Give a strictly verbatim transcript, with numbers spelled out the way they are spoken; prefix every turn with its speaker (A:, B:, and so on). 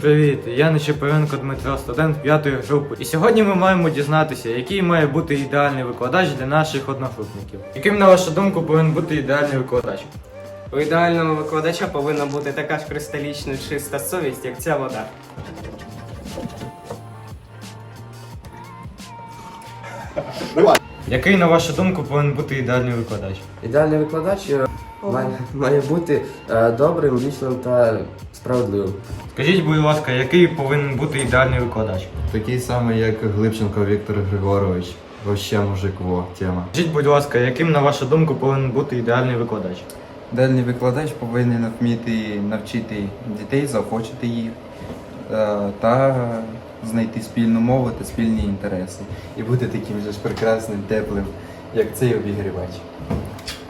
A: привіт! Я Нечипоренко Дмитро, студент п'ятої групи. І сьогодні ми маємо дізнатися, який має бути ідеальний викладач для наших одногрупників. Яким, на вашу думку, повинен бути ідеальний викладач?
B: У ідеального викладача повинна бути така ж кристалічно чиста совість, як ця вода.
A: Який, на вашу думку, повинен бути ідеальний викладач?
C: Ідеальний викладач е, має, має бути е, добрим, вічним та справедливим.
A: Скажіть, будь ласка, який повинен бути ідеальний викладач?
D: Такий самий, як Глибченко Віктор Григорович. Вообще мужик, во, тема.
A: Скажіть, будь ласка, яким, на вашу думку, повинен бути ідеальний викладач?
E: Ідеальний викладач повинен вміти навчити дітей, заохочити їх е, та знайти спільну мову та спільні інтереси. І бути таким же ж прекрасним, теплим, як цей обігрівач.